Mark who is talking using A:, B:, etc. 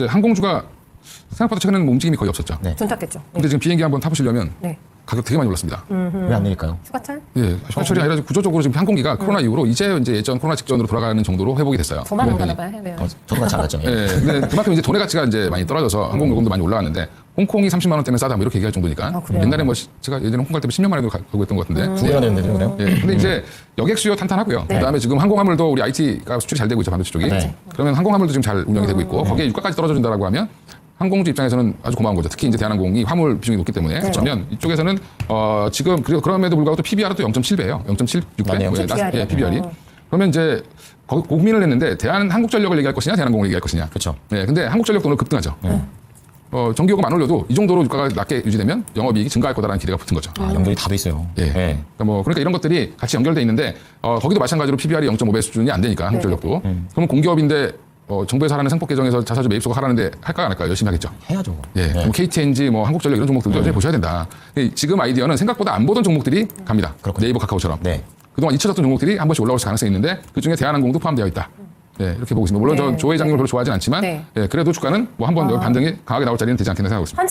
A: 항공주가 생각보다 최근에는 움직임이 거의 없었죠.
B: 네.
C: 둔탁했죠.
A: 근데 지금 비행기 한번 타보시려면
C: 네.
A: 가격 되게 많이 올랐습니다.
B: 왜 안 내릴까요?
C: 휴가철?
A: 예, 휴가철이 아니라 구조적으로 지금 항공기가 코로나 이후로 이제 예전 코로나 직전으로 돌아가는 정도로 회복이 됐어요.
C: 저만 안
A: 편이.
C: 가나 봐요, 해외.
B: 저도 같이 안 갔죠.
A: 예, 근데 그만큼 이제 돈의 가치가 이제 많이 떨어져서 항공 요금도 많이 올라왔는데 홍콩이 30만 원대면 싸다 뭐 이렇게 얘기할 정도니까
C: 그래요?
A: 옛날에 뭐 제가 예전에 홍콩 갈 때 10년 만에도 가고 있던 것 같은데.
B: 두 개가 되는데 그래요?
A: 예, 근데 이제 여객 수요 탄탄하고요.
C: 네.
A: 그다음에 지금 항공화물도 우리 IT가 수출이 잘 되고 있죠, 반도체 쪽이.
B: 네.
A: 그러면 항공화물도 지금 잘 운영이 되고 있고 거기에 유가까지 떨어져준다라고 하면 항공주 입장에서는 아주 고마운 거죠. 특히 이제 대한항공이 화물 비중이 높기 때문에. 그러면 이쪽에서는 지금 그럼에도 불구하고 또 PBR은 또 0.7배예요. 0.76배.
B: 맞네요.
A: 예, PBR이. 그러면 이제 고민을 했는데 대한항공전력을 얘기할 것이냐, 대한항공을 얘기할 것이냐.
B: 그렇죠.
A: 네, 근데 한국전력도 오늘 급등하죠. 전기요금 안 올려도 이 정도로 유가가 낮게 유지되면 영업이익이 증가할 거다라는 기대가 붙은 거죠.
B: 아, 연결이 다 돼 있어요.
A: 예.
B: 네.
A: 그러니까 이런 것들이 같이 연결돼 있는데 거기도 마찬가지로 PBR이 0.5배 수준이 안 되니까 한국전력도. 그러면 공기업인데 정부에서 하라는 생법 개정에서 자사주 매입소가 하라는데 할까 안 할까 열심히 하겠죠.
B: 해야죠.
A: 예.
B: 네.
A: 그럼 KTNG, 한국전력 이런 종목들도 여전히 보셔야 된다. 지금 아이디어는 생각보다 안 보던 종목들이 갑니다.
B: 그렇군요.
A: 네이버, 카카오처럼.
B: 네.
A: 그동안 잊혀졌던 종목들이 한 번씩 올라올 가능성이 있는데 그중에 대한항공도 포함되어 있다. 네, 이렇게 보고 있습니다. 물론
C: 네.
A: 저 조 회장님을 별로 좋아하진 않지만
C: 네.
A: 그래도 주가는 뭐 한번 반등이 강하게 나올 자리는 되지 않겠나 생각하고 있습니다.